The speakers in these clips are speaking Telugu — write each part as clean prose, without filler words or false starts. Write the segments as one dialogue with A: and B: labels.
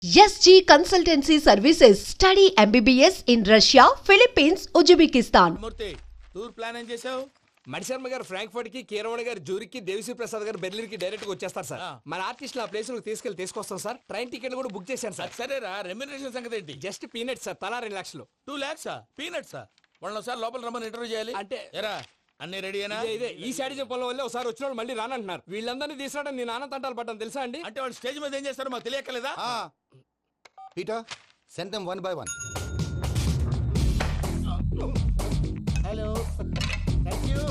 A: SG Consultancy Services. Study MBBS in Russia, Philippines, Uzbekistan.
B: Murthy tour plan ఏం చేసావు?
C: మణిశర్మ గారు ఫ్రాంక్ఫర్ట్ కి, కీరవాణి గారు జూరిక్ కి, దేవిశ్రీ ప్రసాద్ గారు బెర్లిన్ కి డైరెక్ట్ గా వచ్చేస్తారు సార్. మన ఆర్టిస్ట్ ఆ ప్లేస్ తీసుకొస్తాం సార్. ట్రైన్ టికెట్ కూడా బుక్ చేశాను సార్.
B: సరేరా, రెమ్యూనరేషన్ సంగతి ఏంటి?
C: జస్ట్ పీనట్ సార్, తలా 2 లక్షలు.
B: 2 lakhs పీనట్సా? వాళ్ళని ఒకసారి లోపల రమ్మని ఇంటర్వ్యూ చేయాలి.
C: అంటే
B: ఎరా అన్ని రెడీయేనా?
C: ఇదే ఈ సైడ్ చెప్పడం వల్ల ఒకసారి వచ్చిన వాళ్ళు మళ్ళీ రానంటున్నారు. వీళ్ళందరినీ తీసుకురావడం నేను నాన్న తంటాలు పడ్డాను తెలుసా అండి.
B: అంటే వాళ్ళు స్టేజ్ మీద ఏం చేస్తారో మాకు తెలియక్కలేదా?
D: Peter, send them one by one.
E: Hello, thank you.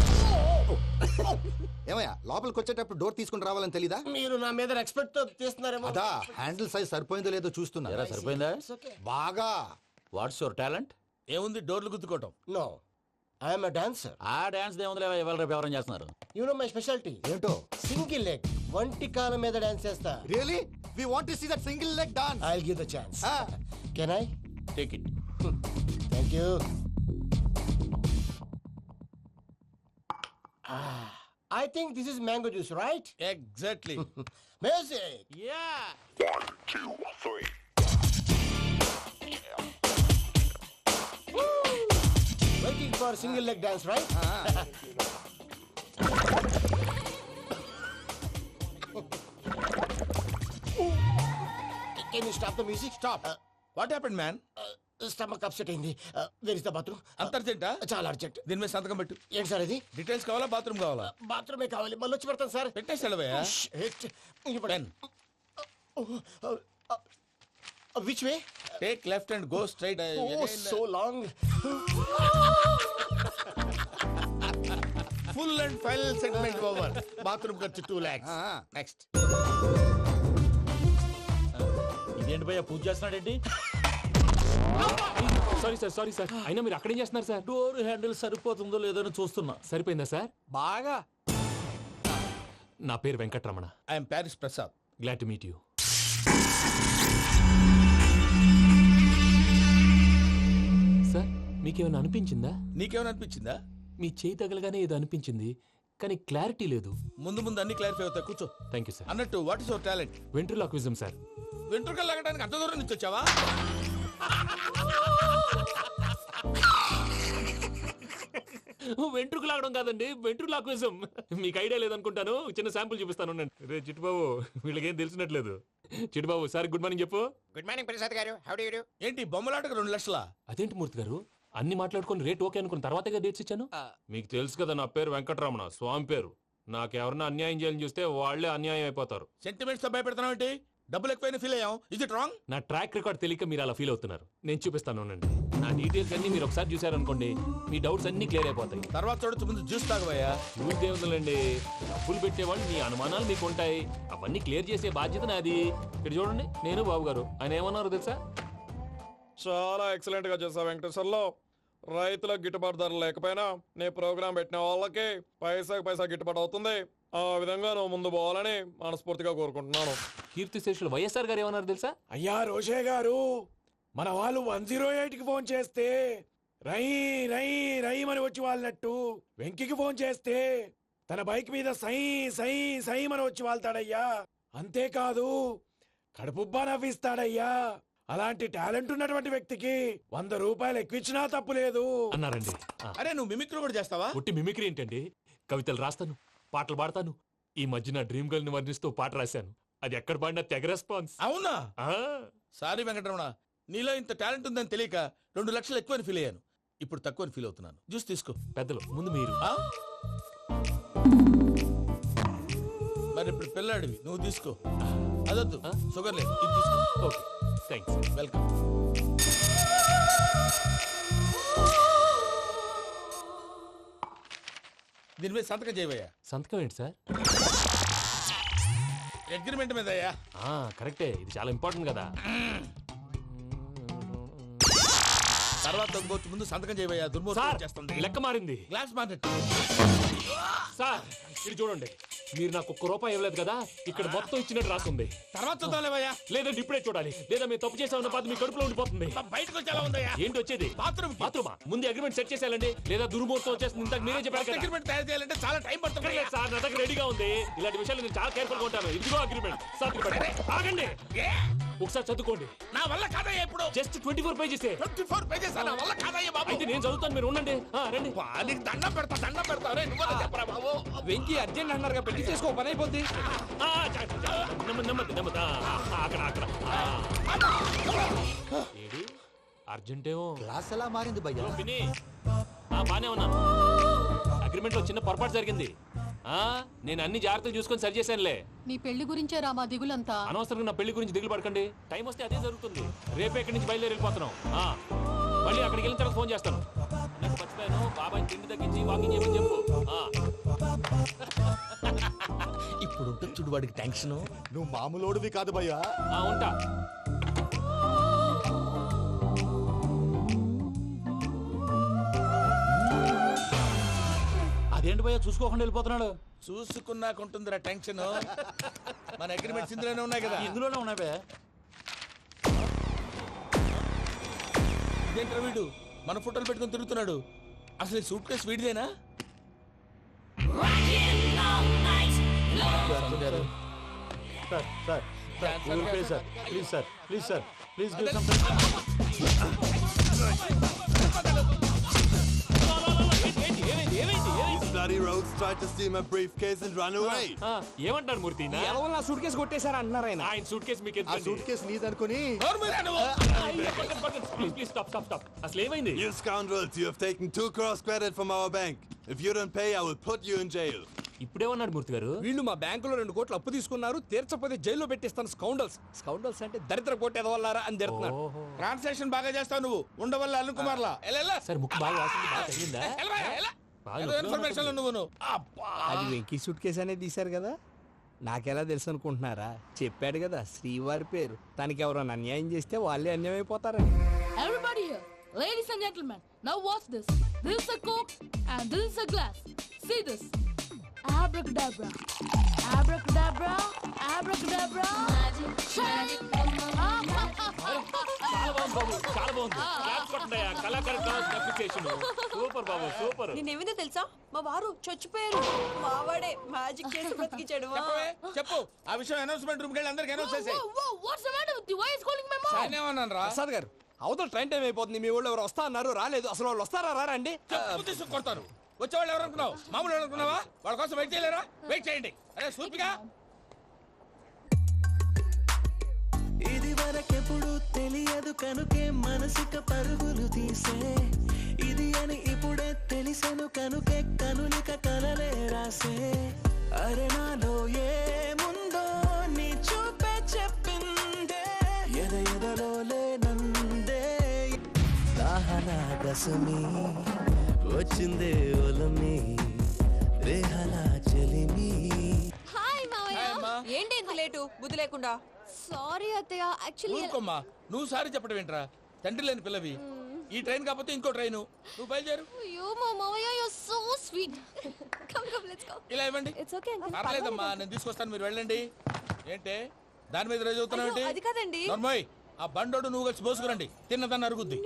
D: ఏమయ్యా లోపలికి వచ్చేటప్పుడు డోర్ తీసుకుని రావాలని తెలీదా?
E: మీరు నా మీద ఎక్స్పెక్ట్ తో తీస్తున్నారేమో.
D: అదా హ్యాండిల్ సైజ్ సరిపోయిందో లేదో చూస్తున్నా.
B: సరిపోయిందా?
D: బాగా.
B: What's your talent? ఏముంది డోర్లు గుద్దుకోవటం?
E: No, I'm a dancer.
B: ఆ డాన్స్ దేవుందిలే, ఇవాళ రేపు ఎవరైనా చేస్తున్నారు.
E: You know my speciality.
D: ఏంటో?
E: సింగిల్ లెగ్, వంటి కాలం మీద డాన్స్ చేస్తా.
D: Really we want to see that single leg dance.
E: I will give the chance. Can I?
B: Take it.
E: Thank you. I think this is mango juice, right?
B: Exactly.
E: Music.
B: Yeah.
E: Waiting for single leg dance, right? Can you stop the music?
B: Stop. What happened man?
E: Stomach upset అయింది. Where is the bathroom?
B: అంత అర్జెంటా?
E: చాలా అర్జెంట్.
B: దీని మీద సంతకం పెట్టు.
E: ఏంటి సార్ ఇది?
B: డీటెయిల్స్ కావాలా, బాత్రూమ్ కావాలా?
E: బాత్రూమే కావాలి, మళ్ళీ వచ్చి పెడతాను సార్.
B: పెట్టేసి వెళ్ళవయ్యా. Pen.
E: Which way?
B: Take left and go straight.
E: Oh, so long.
B: Full and final segment over. Bathroom ఖర్చు 2 lakhs. నెక్స్ట్.
F: ఇదేంటి భయ్యా పూజ చేస్తున్నాడేంటి?
G: సారీ సార్ అయినా మీరు అక్కడేం చేస్తున్నారు సార్?
F: డోర్ హ్యాండిల్ సరిపోతుందో లేదో అని చూస్తున్నా.
G: సరిపోయిందా సార్?
C: బాగా.
G: నా పేరు Venkataramana.
B: I'm Paris Prasad.
G: Glad to meet you. Sir మీకేమైనా అనిపించిందా?
B: నీకేమైనా అనిపించిందా?
G: మీ చేయి తగలగానే ఏదో అనిపించింది, కానీ క్లారిటీ లేదు.
B: ముందు ముందు అన్ని క్లారిఫై అవుతాయి, కూర్చో.
G: Thank you sir.
B: అన్నట్టు what is your talent?
G: Ventriloquism sir.
B: వెంట్రుకలు లాగడానికి అంత దూరం నుంచి వచ్చావా?
G: వెంట్రుకు లాగడం కాదండి, వెంట్రులాక్విజం. మీకు ఐడియా లేదనుకుంటాను, చిన్న శాంపుల్ చూపిస్తాను. రే చిట్టుబాబు, వీళ్ళకేం తెలిసినట్లేదు. చిట్టుబాబు సార్ గుడ్ మార్నింగ్ చెప్పు.
H: Good morning Prasad garu. How do you do?
B: ఏంటి బొమ్మలాటకు 2 లక్షలా?
G: అదేంటి మూర్తి గారు, అన్ని మాట్లాడుకొని రేట్ ఓకే అనుకున్న తర్వాతగా డేట్స్ ఇచ్చాను. మీకు తెలుసు కదా నా పేరు వెంకటరమణ, స్వామి పేరు. నాకెవరన్నా అన్యాయం చేయాలని చూస్తే వాళ్లే అన్యాయం అయిపోతారు.
B: సెంటిమెంట్స్ తో భయపెడతావు ఏంటి? డబ్బులు ఎక్కువైనా ఫీల్ అయ్యాం. Is it wrong?
G: నా ట్రాక్ రికార్డ్ తెలియక మీరు అలా ఫీల్ అవుతున్నారు. నేను చూపిస్తాను ఉండండి. నా డీటెయిల్స్ అన్ని మీరు ఒకసారి చూసారనుకోండి, మీ డౌట్స్ అన్ని క్లియర్ అయిపోతాయి.
B: తర్వాత చూడొచ్చు, ముందు జ్యూస్ తాగబోయా.
G: చూస్తే ఉందండి, డబ్బులు పెట్టేవాళ్ళు మీ అనుమానాలు మీకు ఉంటాయి, అవన్నీ క్లియర్ చేసే బాధ్యత నాది. ఇక్కడ చూడండి, నేను బాబు గారు. ఆయన ఏమన్నారు తెలుసా? చాలా ఎక్సలెంట్ గా చేసా వెంకటేశ్వర్లో. రైతులకు గిట్టుబాటు ధర లేకపోయినా నీ ప్రోగ్రాం పెట్టిన వాళ్ళకి పైసా గిట్టుబాటు అవుతుంది. ఆ విధంగా నువ్వు ముందు పోవాలని మనస్ఫూర్తిగా కోరుకుంటున్నాను. కీర్తిశేషులు వైఎస్ఆర్ గారు ఏమన్నారు తెలుసా?
I: అయ్యా రోషే గారు, మన వాళ్ళు 108కి ఫోన్ చేస్తే రై రై రైమని వచ్చి వాళ్ళనట్టు, వెంకికి ఫోన్ చేస్తే తన బైక్ మీద సై సై సైమని వచ్చి వాళ్తాడయ్యా. అంతేకాదు కడుపుబ్బా నవ్విస్తాడయ్యా. అలాంటి టాలెంట్ ఉన్నటువంటి వ్యక్తికి 100 రూపాయలు ఎక్కువచ్చినా తప్పు లేదు
G: అన్నారండి.
B: అరే నువ్వు మిమిక్రీ కూడా చేస్తావా?
G: ఒట్టి మిమిక్రీ ఏంటండి, కవితలు రాస్తాను, పాటలు పాడతాను. ఈ మధ్య నా డ్రీమ్ గర్ల్ ని వర్ణిస్తూ పాట రాశాను. అది ఎక్కడ పాడినా తెగ రెస్పాన్స్.
B: అవునా? సారీ వెంకటరమణ, నీలో ఇంత టాలెంట్ ఉందని తెలియక 2 లక్షలు ఎక్కువని ఫీల్ అయ్యాను. ఇప్పుడు తక్కువని ఫీల్ అవుతున్నాను. జ్యూస్ తీసుకో.
G: పెద్దలు ముందు మీరు.
B: మరి ఇప్పుడు పిల్లాడివి, నువ్వు తీసుకో. అదొద్దు, షుగర్ లేదు, ఇది తీసుకో.
G: Okay thanks.
B: వెల్కమ్. దీని మీద సంతకం చేయవయ్యా.
G: సంతకం ఏంటి సార్?
B: అగ్రిమెంట్ మీద అయ్యా.
G: కరెక్టే, ఇది చాలా ఇంపార్టెంట్ కదా.
B: తర్వాత ఇంకొచ్చి ముందు సంతకం చేయబోయా దుర్మోహం చేస్తుంది.
G: లెక్క మారింది.
B: గ్లాస్ మార్కెట్
G: సార్ ఇది చూడండి, మీరు నాకు ₹1 ఇవ్వలేదు కదా, ఇక్కడ మొత్తం ఇచ్చినట్టు రాస్తుంది.
B: తర్వాత చూద్దాంలేవయ్యా.
G: లేదంటే ఇప్పుడే చూడాలి, లేదా మీరు తప్పు చేసామన్న బాధ మీ కడుపులో ఉండిపోతుంది.
B: బయటకు వచ్చేలా ఉందయ్యా.
G: ఏంటి వచ్చేది?
B: బాత్రూమ్
G: బాత్రూమా? ముందు అగ్రిమెంట్ సెట్ చేసేయాలండి, లేదా దుర్మూర్తం వచ్చేస్తుంది. ఇంతకు మీరే చెప్పారు కదా.
B: అగ్రిమెంట్ తయారు చేయాలంటే చాలా టైం పడుతుంది.
G: లేదు సార్, నా దగ్గర రెడీగా ఉంది. ఇలాంటి విషయాలు నేను చాలా కేర్ఫుల్ గా ఉంటాను. ఇదిగో అగ్రిమెంట్. ఆగండి, ఒకసారి చదువుకోండి.
B: నా వల్ల కాదయ్యా. ఇప్పుడు
G: జస్ట్ 24 పేజెస్.
B: 24 పేజెస్ నా వల్ల కాదయ్యా బాబు.
G: అయితే నేను చదువుతాను, మీరు ఉండండి. రండి.
B: నీకు దండం పెడతా రే, నువ్వు చెప్పరా బాబు.
C: వెంకీ అర్జెంట్ అన్నారుగా, పెళ్లి చేసుకో, పని అయిపోద్ది.
G: నెమ్మది నెమ్మది. అక్కడ అక్కడ. ఏడి అర్జెంటేమో.
D: క్లాస్ ఎలా మారింది భయ్యా?
G: పిన్ని బానే ఉన్నాను. అగ్రిమెంట్ లో చిన్న పొరపాటు జరిగింది. నేను అన్ని జాగ్రత్తలు చూసుకొని సరి చేశానులే.
J: నీ పెళ్లి గురించే రా మా దిగులంతా.
G: అనవసరంగా నా పెళ్లి గురించి దిగులు పడకండి. టైం వస్తే అదే జరుగుతుంది. రేపే ఇక్కడి నుంచి బయలుదేరి వెళ్ళిపోతున్నాం. మళ్ళీ అక్కడికి వెళ్ళిన తర్వాత ఫోన్ చేస్తాను. నాకు మర్చిపోయాను, బాబాయ్ తిండి తగ్గించి వాకింగ్ చేయమని చెప్పు.
B: ఇప్పుడు ఉంటుంది చూడు వాడికి టెన్షన్.
D: నువ్వు మామూలోడివి కాదు భయ్యా.
G: ఉంటా.
F: అదేంటి భయ్యా చూసుకోకుండా వెళ్ళిపోతున్నాడు?
B: చూసుకున్నాకుంటుందిరా టెన్షన్. మన అగ్రిమెంట్స్ ఇందులోనే ఉన్నాయి కదా.
F: ఇందులోనే ఉన్నాయి భయ్యా.
B: ఇదేంట్రా వీడు మన ఫోటోలు పెట్టుకుని తిరుగుతున్నాడు? అసలు ఈ సూట్ కేసు వీడిదేనా?
G: ఏమంటారు మూర్తి?
C: ఎవరు నా సూట్ కేసు కొట్టేశారు అంటున్నారు ఆయన.
G: ఆయన సూట్ కేసు మీకు
D: ఆ సూట్ కేసు నీదనుకుని
G: ప్లీజ్ స్టాప్. అసలు ఏమైంది?
K: You scoundrels, you have taken 2 crores credit from our bank. If you don't pay, I will put you in jail.
G: ఇప్పుడేమన్నాడు మూర్తి గారు?
C: వీళ్ళు మా బ్యాంకులో 2 కోట్లు అప్పు తీసుకున్నారు, తీర్చకపోతే జైల్లో పెట్టిస్తాను. స్కౌండల్స్ అంటే దరిద్ర కోట ఎదవల్లారా అని తిడుతున్నారు.
B: ట్రాన్సాక్షన్ బాగా చేస్తావు నువ్వు. ఉండవల్ల అల్లు కుమార్లా
G: సార్ ముక్కు బాగా వాసింది, బాగా తగ్గిందా?
B: ఇన్ఫర్మేషన్ నువ్వు.
C: అది వెంకీ సూట్ కేసు అనేది తీశారు కదా, నాకెలా తెలుసు అనుకుంటున్నారా? చెప్పాడు కదా శ్రీవారి పేరు. తనకి ఎవరైనా అన్యాయం చేస్తే వాళ్ళే అన్యాయం అయిపోతారని.
J: Everybody here, ladies and gentlemen, now watch this. This is a coke and this is a glass. See this. Abracadabra. Abracadabra. Abracadabra. Magic.
G: చాలా బాగుంది. క్లాప్స్ కొట్టండియా. కళాకారు క్లాస్ అప్రిసియేషన్. సూపర్ బాబు, సూపర్.
J: నేనేమిందో తెలుసా, మా వారు చచ్చిపోయారు. మావాడే మ్యాజిక్ చేసి బ్రతికించాడు.
B: చెప్పు ఆ విషయం. అనౌన్స్మెంట్ రూమ్ కెళ్ళి అందరికి అనౌన్స్ చేసేయ్.
J: What's the matter with you? Why is calling my mom?
B: నేనేమన్నాను రా?
C: ప్రసాద్ గారు, అవతల ట్రైన్ టైం అయిపోతుంది. మీ వాళ్ళు ఎవరు వస్తా అన్నారు, రాలేదు. అసలు వాళ్ళు వస్తారా రారా అండి?
B: తీసుకు కొడతారు. వచ్చేవాళ్ళు ఎవరు అనుకున్నావు? మామూలు ఎవరు అనుకున్నావా? వాళ్ళ కోసం వెయిట్ చేయలేరా? వెయిట్ చేయండి. అరే సూపిగా.
L: ఇది వరకెప్పుడు తెలియదు కనుకే మనసుక పరుగులు తీసే, ఇది అని ఇప్పుడే తెలిసెను కనుకే కనులిక కలలే రాసే. అరే నాలో ఏముందో నీ చూపే చెప్పిందే, ఎదలో లేనందే. దాహనా గసమి వచ్చిందే ఒలమి, రేహలా చెలిమి.
J: హాయ్ మావయ్య. ఏంటి ఇంత లేటు? బుద్ధి లేకుండా. సారీ అత్తయ్య, యాక్చువల్లీ
B: ఊరుకోమ్మా. నువ్వు సారీ చెప్పడం ఏంట్రా? తండ్రి లేని పిల్లవి. ఈ ట్రైన్ కాకపోతే ఇంకో ట్రైన్. నువ్వు బయలుదేరు.
J: అయ్యో మా మావయ్య, you are so sweet. Come let's go.
B: ఇలా ఇవ్వండి.
J: It's okay uncle.
B: పర్లేదమ్మా, నేను తీసుకొస్తాను, మీరు వెళ్ళండి. ఏంటే దాని మీద రోజు అవుతున్నావు ఏంటి?
J: అది కాదండి.
B: నర్మోయ్, ఆ బండోడు నువ్వు కలిసి పోసుకురండి. తిన్నదాన్ని అరుగుద్ది.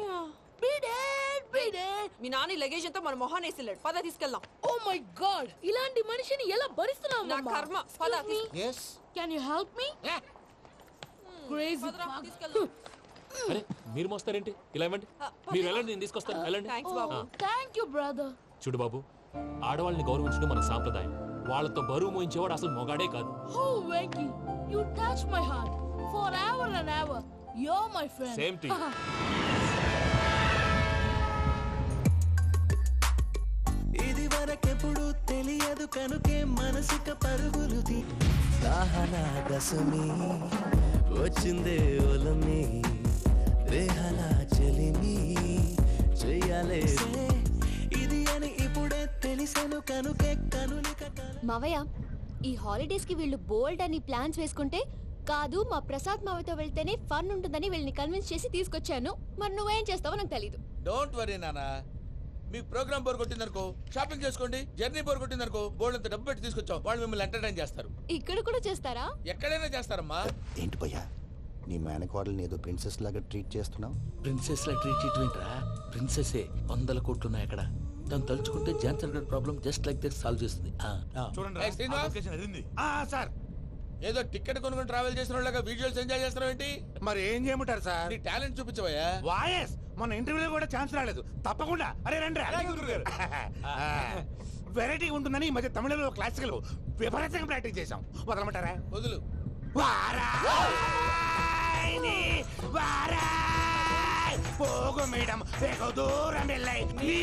J: మీ నాని లగేజ్ అంతా మన మొహాన్ వేసిల్లాడు. పద తీసుకెళ్దాం. ఓ మై గాడ్, ఇలాంటి మనిషిని ఎలా భరిస్తున్నావు? నా కర్మ. పద.
D: yes
J: can you help me? Crazy.
G: అరే మీరు మోస్తారేంటి? ఇలా ఇవ్వండి. మీరు వెళ్ళండి, నేను తీసుకొస్తాను. వెళ్ళండి.
J: థాంక్స్ బాబు. Thank you brother.
G: చూడు బాబు, ఆడవాళ్ళని గౌరవించడం మన సాంప్రదాయం. వాళ్ళతో బరువు మోయించేవాడు అసలు మొగాడే కాదు.
J: ఓ Venky, you touch my heart for ever and ever. You are my friend.
G: Same to you.
L: ఇది వరకెప్పుడు తెలియదు కనుకే మనసుక పరుగులు తీ. దాహనా గసమి వచ్చిందే ఒలమి, రేహలా చెలిమి చెయ్యాలే. ఇది అని ఇప్పుడే తెలిసెను కనుకే కనులిక.
M: మావయ్య, ఈ హాలిడేస్ కి వీళ్ళు బోల్డ్ అని ప్లాన్స్ వేసుకుంటే కాదు మా ప్రసాద్ మావతో వెళ్తేనే ఫన్ ఉంటుందని వీళ్ళని కన్విన్స్ చేసి తీసుకొచ్చాను. మరి నువ్వేం చేస్తావో నాకు తెలీదు.
B: డోంట్ వరీ నానా, మీ ప్రోగ్రామ్ బోర్ కొట్టిందనుకో షాపింగ్ చేసుకోండి, జర్నీ బోర్ కొట్టిందనుకో బోర్డు అంత డబ్బు పెట్టి తీసుకొచ్చాం, వాళ్ళు మిమ్మల్ని ఎంటర్టైన్ చేస్తారు.
M: ఇక్కడ కూడా చేస్తారా?
B: ఎక్కడైనా చేస్తారమ్మా.
D: ఏంటి భయ్యా నీ మేనకోడల్ని ఏదో ప్రిన్సెస్ లాగా ట్రీట్ చేస్తున్నావు?
B: ప్రిన్సెస్ లా ట్రీట్ చేయటమేంట్రా, ప్రిన్సెస్ 100 కోట్లు ఉన్నాయి అక్కడ. తను తలుచుకుంటే జాన్సన్ గడ్ problem just like this solve చేస్తుంది.
I: సార్
B: ఏదో టికెట్ కొనుక్కొని ట్రావెల్ చేసిన వాళ్ళగా వీడియోస్ ఎంజాయ్ చేస్తున్నావు ఏంటి?
I: మరి ఏం చేయమంటారు సార్?
B: నీ టాలెంట్ చూపించవయ్యా.
I: వాయస్ మన ఇంటర్వ్యూలో కూడా ఛాన్స్ రాలేదు. తప్పకుండా అరే రండి. వెరైటీ ఉంటుందని ఈ మధ్య తమిళలో క్లాసికల్ విపరీతంగా ప్రాక్టీస్ చేశాం. వదలమంటారా?
B: వదులు.
I: పోగు మేడం దూరం వెళ్ళాయి.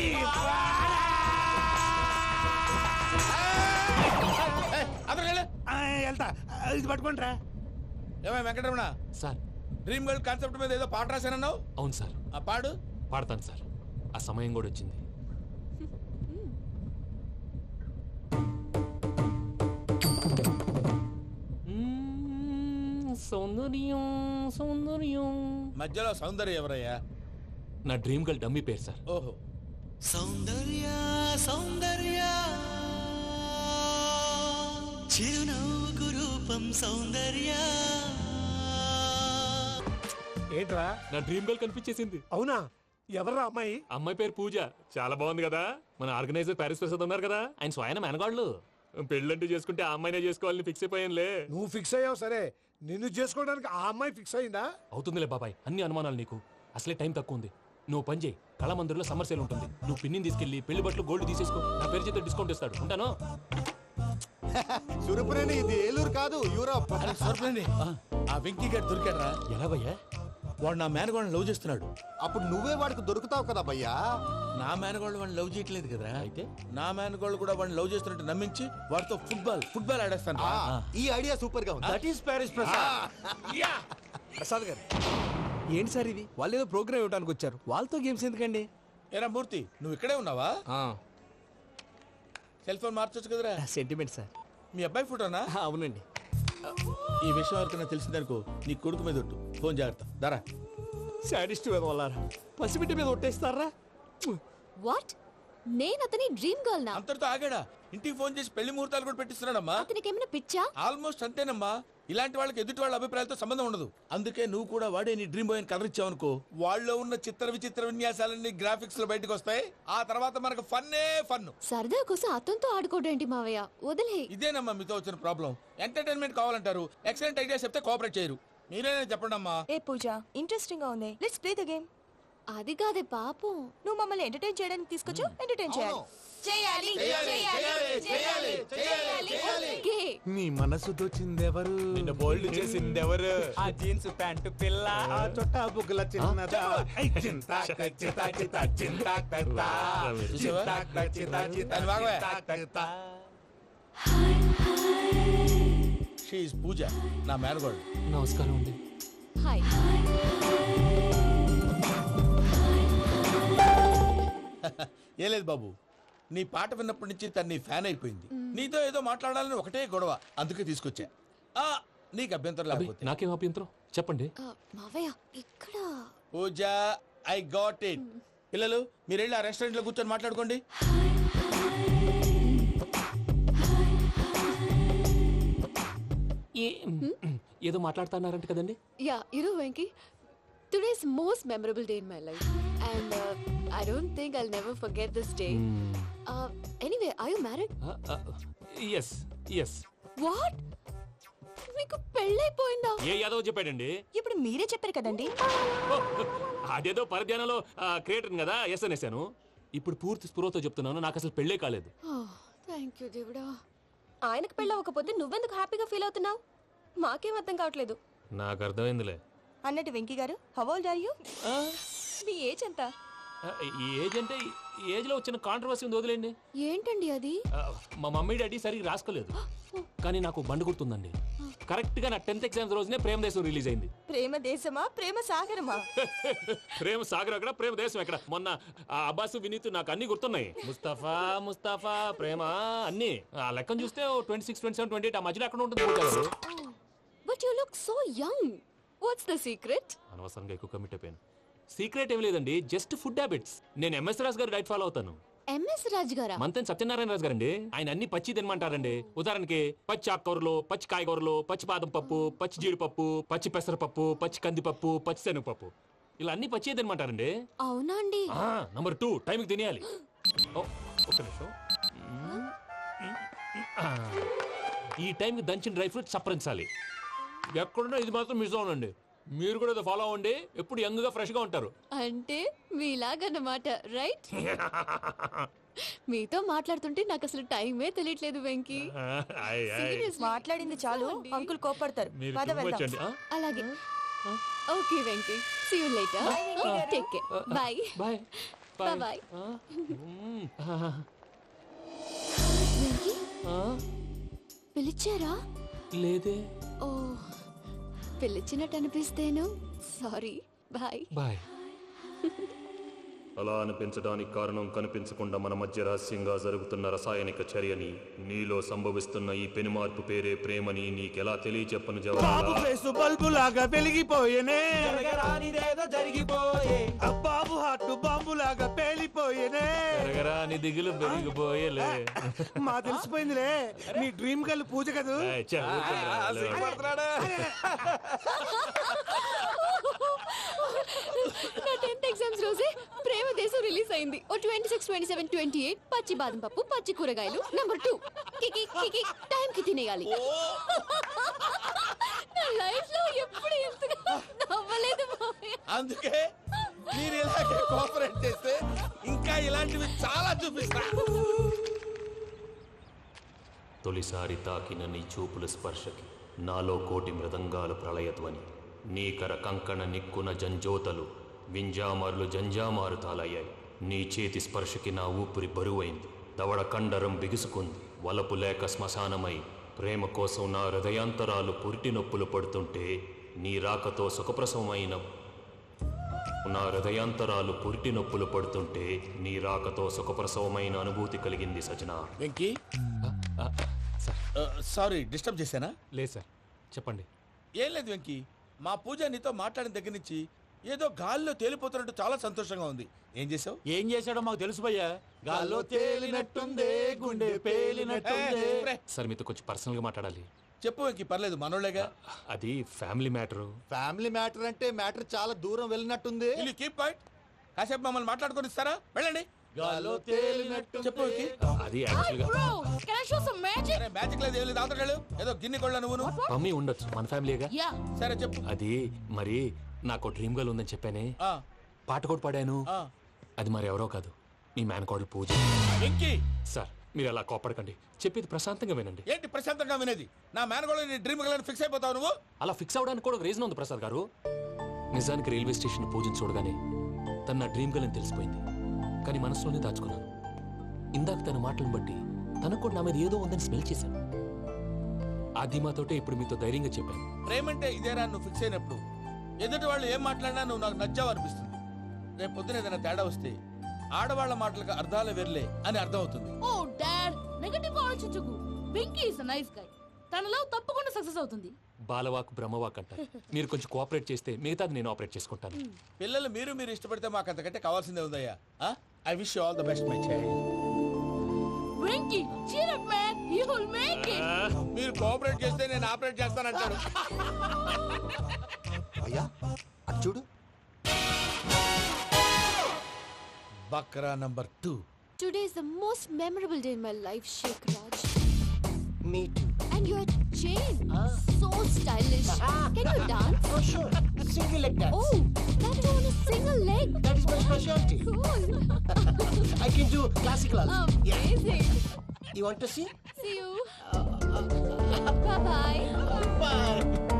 I: వెళ్తా, ఇది పట్టుకుంటారా?
B: ఏమై Venkataramana
G: sir,
B: dream girl concept మీద ఏదో పాట రాశానన్నావు.
G: అవును సార్.
B: ఆ పాడు.
G: పాడతాను సార్, ఆ సమయం కూడా వచ్చింది. సౌందర్యం సౌందర్యం.
B: మధ్యలో సౌందర్యం ఎవరయ్యా?
G: నా డ్రీమ్ గర్ల్ డమ్మీ పేరు సార్.
B: ఓహో.
L: సౌందర్య సౌందర్య చిరునవ్వుకు రూపం సౌందర్య.
I: ఏంట్రా?
G: నా డ్రీమ్ గర్ల్ కనిపించేసింది.
I: అవునా? ఎవరా అమ్మాయి?
G: అమ్మాయి పేరు పూజ. చాలా బాగుంది కదా. మన ఆర్గనైజర్ ప్యారిస్ ప్రసాద్ ఉన్నారు కదా, ఆయన స్వయం మెనగాళ్ళు. పెళ్ళంటూ చేసుకుంటే ఆ అమ్మాయినే చేసుకోవాలని ఫిక్స్ అయిపోయానులే.
I: నువ్వు ఫిక్స్ అయ్యావు సరే, నిన్ను చేసుకోవడానికి ఆ అమ్మాయి ఫిక్స్ అయిందా?
G: అవుతుందిలే బాబాయ్, అన్ని అనుమానాలు నీకు. అసలే టైం తక్కువ ఉంది. నువ్వు పని చేయి, కళామందిర్లో సమ్మర్ సేల్ ఉంటుంది. నువ్వు పిన్నిని తీసుకెళ్లి పెళ్లి బట్టలు గోల్డ్ తీసేసుకో. నా పేరు చేత డిస్కౌంట్ ఇస్తాడు. ఉంటాను.
D: సురపురేని ఇది ఏలూరు కాదు, యూరోప్.
B: ఆ వెంకీ గారు దొరికాడరా?
G: ఎలా భయ్యా?
B: వాడు నా మేనగోళ్ళని లవ్ చేస్తున్నాడు.
D: అప్పుడు నువ్వే వాడికి దొరుకుతావు కదా భయ్యా.
B: నా మేనగోళ్ళు వాడిని లవ్ చేయట్లేదు కదా.
G: అయితే
B: నా మేనగోళ్ళు కూడా వాడిని లవ్ చేస్తున్నట్టు నమ్మించి వాడితో ఫుట్బాల్ ఆడేస్తాను.
D: ఈ ఐడియా సూపర్ గా ఉంది.
C: That is Paris Prasad. Prasad garu ఏంటి సార్ ఇది? వాళ్ళు ఏదో ప్రోగ్రామ్ ఇవ్వడానికి వచ్చారు, వాళ్ళతో గేమ్స్ ఎందుకండి?
B: ఏరా మూర్తి, నువ్వు ఇక్కడే ఉన్నావా? సెల్ ఫోన్ మార్చొచ్చు కదరా.
C: Sentiment sir.
B: మీ అబ్బాయి ఫోటోనా?
C: అవునండి.
B: ఈ విషయం ఎవరికైనా తెలిసిందనుకో నీ కొడుకు మీద ఒట్టు. ఫోన్ జాగ్రత్త. దారా.
C: సాడిస్ట్ మీద వాళ్ళారా? పసిబిడ్డ మీద ఒట్టేస్తారా?
M: వాట్? నేను అతని డ్రీమ్ గర్ల్ నా?
B: అంతటితో ఆగాడా? ఇంటికి ఫోన్ చేసి పెళ్లి ముహూర్తాలు కూడా పెట్టిస్తున్నాడమ్మా.
M: అతనికి ఏమైనా పిచ్చా?
B: ఆల్మోస్ట్ అంతేనమ్మా. ఇలాంటి వాళ్ళకి ఎదుటి వాళ్ళ అభిప్రాయాలతో సంబంధం ఉండదు. అందుకే నువ్వు కూడా వాడే నీ డ్రీమ్ బాయ్ కవర్ ఇచ్చావనుకో, వాళ్ళలో ఉన్న చిత్ర విచిత్ర విన్యాసాలన్నీ గ్రాఫిక్స్ లో బయటకు వస్తాయి. ఆ తర్వాత మనకు ఫన్నే ఫన్.
M: సరదా కోసం అతనితో ఆడుకోవడేంటి మావయ్య? వదిలే.
B: ఇదేనమ్మా మీతో వచ్చిన ప్రాబ్లం. ఎంటర్టైన్మెంట్ కావాలంటారు, ఎక్సలెంట్ ఐడియా చెప్తే కోఆపరేట్ చేయరు. మీరేనా చెప్పండి అమ్మా.
N: ఏ పూజ, ఇంట్రెస్టింగ్ గా ఉంది. Let's play the game.
M: అది కాదే పాపం.
N: నువ్వు మమ్మల్ని ఎంటర్టైన్ చేయడానికి తీసుకొచ్చు, ఎంటర్టైన్ చేయాలి. చేయాలి
B: చేయాలి చేయాలి
M: ఓకే.
I: నీ మనసు దోచిందెవరు?
C: నిన్న బోల్డ్ చేసిందెవరు? ఆ జీన్స్ ప్యాంటు పిల్ల,
I: ఆ చొట్టా బుగ్గల చిన్నదా. ఐ చింతా చింతా చింతా చింతా చింతా.
B: షీ ఇస్ పూజ, నా మేనగోడు.
G: నమస్కారం అండి.
M: హాయ్.
B: ఏ లేదు బాబు, నీ పాట విన్నప్పటి నుంచి తను నీ ఫ్యాన్ అయిపోయింది. నీతో ఏదో మాట్లాడాలని ఒకటే గొడవ, అందుకే తీసుకొచ్చా. నీకు అభ్యంతరం లేకపోతే.
G: నాకేం అభ్యంతరం చెప్పండి.
M: మావయ్య ఇక్కడ.
B: Pooja, I got it. పిల్లలు మీరు వెళ్ళి ఆ రెస్టారెంట్ లో కూర్చొని మాట్లాడుకోండి.
G: ఏదో మాట్లాడుతున్నారంట కదండి.
M: Yeah, Venky, today's most memorable day in my life, and I don't think I'll never forget this day. Anyway, are you married?
G: yes yes.
M: What? మీకు పెళ్ళైపోయిందా?
G: ఏ యాదవ్ చెప్పాడండి?
N: ఇప్పుడు మీరే చెప్పారు కదండి.
G: అదేదో పరధ్యానంలో క్రియేటర్ కదా ఎస్ అనేసాను. ఇప్పుడు పూర్తి స్పృహతో చెప్తున్నాను, నాకు అసలు పెళ్ళే కాలేదు.
M: థ్యాంక్ యూ దేవుడా.
N: ఆయనకు పెళ్ళవకపోతే నువ్వెందుకు హ్యాపీగా ఫీల్ అవుతున్నావు? మాకేం అర్థం కావట్లేదు.
G: నాకు అర్థమైందిలే.
N: అన్నట్టు Venky garu, how old are you? మీ ఏజ్ ఎంత?
G: ఈ ఏజ్ అంటే ఏజ్ లో వచ్చిన కాంట్రవర్సీ ఉంది, వదిలేండి.
M: ఏంటండి అది?
G: మా మమ్మీ డాడీ సరిగ్గా రాసుకోలేదు, కానీ నాకు బండి గుర్తుందండి. కరెక్ట్ గా నా 10th ఎగ్జామ్స్ రోజునే ప్రేమ దేశం రిలీజ్ అయింది.
N: ప్రేమ దేశమా ప్రేమ సాగరమా?
G: ప్రేమ సాగర్ అక్కడ, ప్రేమ దేశం ఎక్కడ? మొన్న అబ్బాసు వినీత్ నాకు అన్ని గుర్తున్నాయి. ముస్తఫా ప్రేమ అన్ని ఆ లెక్కను చూస్తే 26, 27, 28 ఆ మధ్యలో ఎక్కడ ఉంటుంది.
M: But you look so young. What's the secret?
G: అనవసరంగా ఎక్కువ కమిట్ అయిపోయాను. సీక్రెట్ ఏం లేదండి, జస్ట్ ఫుడ్ హ్యాబిట్స్. నేను MS Raju garu diet follow అవుతాను.
M: MS రాజ్ గారా?
G: మంతెన్ సత్యనారాయణ రాజు గారండి. ఆయన అన్ని పచ్చి తినమంటారండి. ఉదాహరణకి పచ్చి ఆకుకూరలు, పచ్చి కాయగూరలు, పచ్చి బాదం పప్పు, పచ్చి జీడిపప్పు, పచ్చి పెసరపప్పు, పచ్చి కందిపప్పు, పచ్చి శనగపప్పు, ఇలా అన్ని పచ్చి తినమంటారండి.
M: అవునా అండి?
G: నంబర్ 2 టైంకి తినేయాలి. ఒక్క నిమిషం. ఈ టైంకి దంచిన డ్రై ఫ్రూట్స్ సప్పరించాలి. ఎక్కడున్నా ఇది మాత్రం మిస్ అవునండి. మీరు కూడా ఫాలో అవ్వండి, ఎప్పుడు యంగ్ గా ఫ్రెష్ గా ఉంటారు.
M: అంటే మీలాగన్నమాట, రైట్? మీతో మాట్లాడుతుంటే నాకు అసలు టైమే తెలియట్లేదు వెంకీ.
N: మాట్లాడింది చాలు, అంకుల్ కోపడతారు. పద వెళ్దాం.
M: అలాగే. Okay Venky, see you later. Take care. Bye
G: bye
M: bye. Venky పిలిచారా?
G: లేదే.
M: ఓ, పిలిచినట్టు అనిపిస్తేను సారీ. Bye
G: bye.
O: అలా అనిపించడానికి కారణం కనిపించకుండా మన మధ్య రహస్యంగా జరుగుతున్న రసాయనిక చర్యని, నీలో సంభవిస్తున్న ఈ పెనుమార్పు పేరే ప్రేమని నీకెలా తెలియచెప్పను
I: బాబు ఫేసు బల్బు లాగా వెలిగిపోయేనే,
C: జరిగిపోయే
I: బాబు హార్ట్ బాంబు లాగా పేలిపోయేనే.
G: జరగరాని దిగులు పెరిగిపోయేలే.
I: మా తెలిసిపోయిందిలే, నీ డ్రీమ్ గర్ల్ పూజ కదూ.
M: నా 10th ఎగ్జామ్స్ రోజే ప్రేమ దేశం రిలీజ్ అయింది. ఓ 26, 27, 28 పచ్చి బాదం పప్పు, పచ్చి కూరగాయలు. నంబర్ 2 కికి కికి టైం కి తినేయాలి. నా లైఫ్ లో ఎప్పుడు ఇంతగా నవ్వలేదు మామయ్య.
B: అందుకే మీరు ఇలాగే కోఆపరేట్ చేస్తే ఇంకా ఇలాంటివి చాలా చూపిస్తా.
O: తొలిసారి తాకిన నీ చూపుల స్పర్శకి నాలో కోటి మృదంగాలు ప్రళయధ్వని, నీకర కంకణ నిక్కున జంజోతలు వింజామారులు జంజామారు తాలయ్యాయి. నీ చేతి స్పర్శకి నా ఊపిరి బరువైంది, దవడ కండరం బిగుసుకుంది. వలపు లేక శ్మశానమై ప్రేమ కోసం నా హృదయాంతరాలు పురిటి నొప్పులు పడుతుంటే, నీ రాకతో సుఖప్రసవమైన నా హృదయాంతరాలు పురిటి నొప్పులు పడుతుంటే నీ రాకతో సుఖప్రసవమైన అనుభూతి కలిగింది సజనా.
B: వెంకీ సారీ డిస్టర్బ్ చేశానా?
G: లేదు సార్, చెప్పండి.
B: ఏం లేదు వెంకీ, మా పూజ నీతో మాట్లాడిన దగ్గర నుంచి ఏదో గాల్లో తేలిపోతున్నట్టు చాలా సంతోషంగా ఉంది. ఏం చేసావు?
F: ఏం చేశాడో మాకు తెలుసు భయ్యా. గాల్లో తేలినట్టుందే, గుండె పేలినట్టుందే.
G: సార్ మీతో కొంచెం పర్సనల్ గా మాట్లాడాలి.
B: చెప్పు వెంకీ, పర్లేదు మనోళ్ళేగా.
G: అది ఫ్యామిలీ మ్యాటర్.
D: ఫ్యామిలీ మ్యాటర్ అంటే మ్యాటర్ చాలా దూరం వెళ్ళినట్టుంది.
B: Keep point. కాసేపు మమ్మల్ని మాట్లాడుకొని ఇస్తారా? వెళ్ళండి.
F: గాల్లో తేలినట్టు
B: చెప్పు వెంకీ.
G: అది యాక్చువల్గా
J: Bro, can I show some magic?
B: అరే మ్యాజిక్ లేదు, ఏం లేదు. ఆతడాలు ఏదో గిన్నె కొళ్ళ నువ్వు.
G: మమ్మీ ఉండొచ్చు, మన ఫ్యామిలీగా.
J: Yeah.
B: సరే చెప్పు.
G: అది మరి నాకు డ్రీమ్ గర్ల్ ఉందని చెప్పానే,
B: ఆ,
G: పాట కూడా పాడాను.
B: ఆ.
G: అది మరి ఎవరో కాదు, మీ మేనకోడలు పూజ.
B: వెంకీ
G: సార్ మీరు అలా కోపడకండి, చెప్పేది ప్రశాంతంగా వినండి.
B: ఏంటి ప్రశాంతంగా వినేది? నా మేనగోళ నీ డ్రీమ్ గర్ల్ ఫిక్స్ అయిపోతావు నువ్వు.
G: అలా ఫిక్స్ అవడానికి కూడా ఒక రీజన్ ఉంది ప్రసాద్ గారు. నిజానికి రైల్వే స్టేషన్ పూజను చూడగానే తన నా డ్రీమ్ గర్ల్ అని తెలిసిపోయింది. కానీ మనసులోనే దాచుకున్నాను. ఇందాక తన మాటలను బట్టి తనకు కూడా నా మీద ఏదో ఉందని స్మెల్ చేశాను. ఆ ధీమాతోటే ఇప్పుడు మీతో ధైర్యంగా చెప్పాను.
B: ప్రేమంటే ఇదేరా నువ్వు ఫిక్స్ అయినప్పుడు ఎదుటి వాళ్ళు ఏం మాట్లాడినా నువ్వు నాకు నచ్చావు అనిపిస్తుంది. రేపు పొద్దున ఏదైనా తేడా వస్తే ఆడవాళ్ల మాటలకు అర్థాలు వెర్లే అని అర్థం అవుతుంది.
J: Oh, Dad, నెగటివ్ ఆలోచించకు. Venky is a nice guy. తన లవ్ తప్పకుండా సక్సెస్ అవుతుంది.
G: బాలవాక్ బ్రహ్మవాక్ అంటారు. మీరు కొంచెం కోఆపరేట్ చేస్తే మిగతాది నేను ఆపరేట్ చేసుకుంటాను.
B: పిల్లలు మీరు ఇష్టపడితే మాకు అంతకంటే కావాల్సిందే ఉందయ్యా. I wish you all the best my child.
J: Venky, cheer up man, you will make it.
B: మీరు కోఆపరేట్ చేస్తే నేను ఆపరేట్ చేస్తానంటాడు.
D: అయ్యా అది చూడు.
B: బక్రా number 2.
M: Today is the most memorable day in my life, Sheikh Raj.
E: Me too.
M: And your chain, so stylish. Can you dance?
E: Oh, sure. Single leg dance.
M: Oh, that is on a single leg.
E: That is my specialty.
M: Cool.
E: I can do classical also.
M: Amazing.
E: You want to see?
M: See you. Bye-bye.
E: Bye.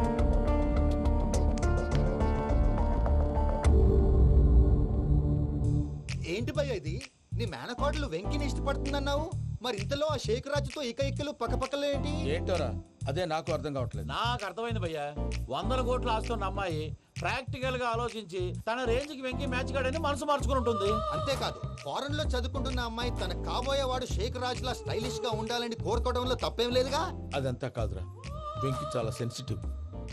D: ఏంటి భయ్య ఇది? నీ మేనకోడలు వెంకిని ఇష్టపడుతుందన్నావు, మరి ఇంతలో ఆ షేక్ రాజుతో ఇకలు పక్కపక్కలు ఏంటి?
B: ఏంటోరా అదే నాకు అర్థం కావట్లేదు.
F: నాకు అర్థమైంది భయ్యా. 100 కోట్లు ఆస్తున్న అమ్మాయి ప్రాక్టికల్ గా ఆలోచించి తన రేంజ్ కి వెంకి మ్యాచ్ కాడని మనసు మార్చుకుని ఉంటుంది.
D: అంతేకాదు, ఫారెన్ లో చదువుకుంటున్న అమ్మాయి తన కాబోయేవాడు షేక్ రాజ్ లా స్టైలిష్ గా ఉండాలని కోరుకోవడంలో తప్పేం లేదుగా.
B: అదంతా కాదురా, వెంకి చాలా సెన్సిటివ్.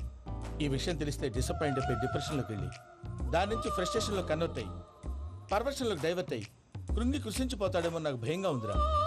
B: ఈ విషయం తెలిస్తే డిసప్పాయింట్ అయిపోయి డిప్రెషన్లోకి వెళ్ళి దాని నుంచి ఫ్రస్ట్రేషన్లో కన్వర్ట్ అయ్యి పర్వర్షన్లోకి డైవర్ట్ అయ్యి కృంగి కృషించిపోతాడేమో నాకు భయంగా ఉందిరా.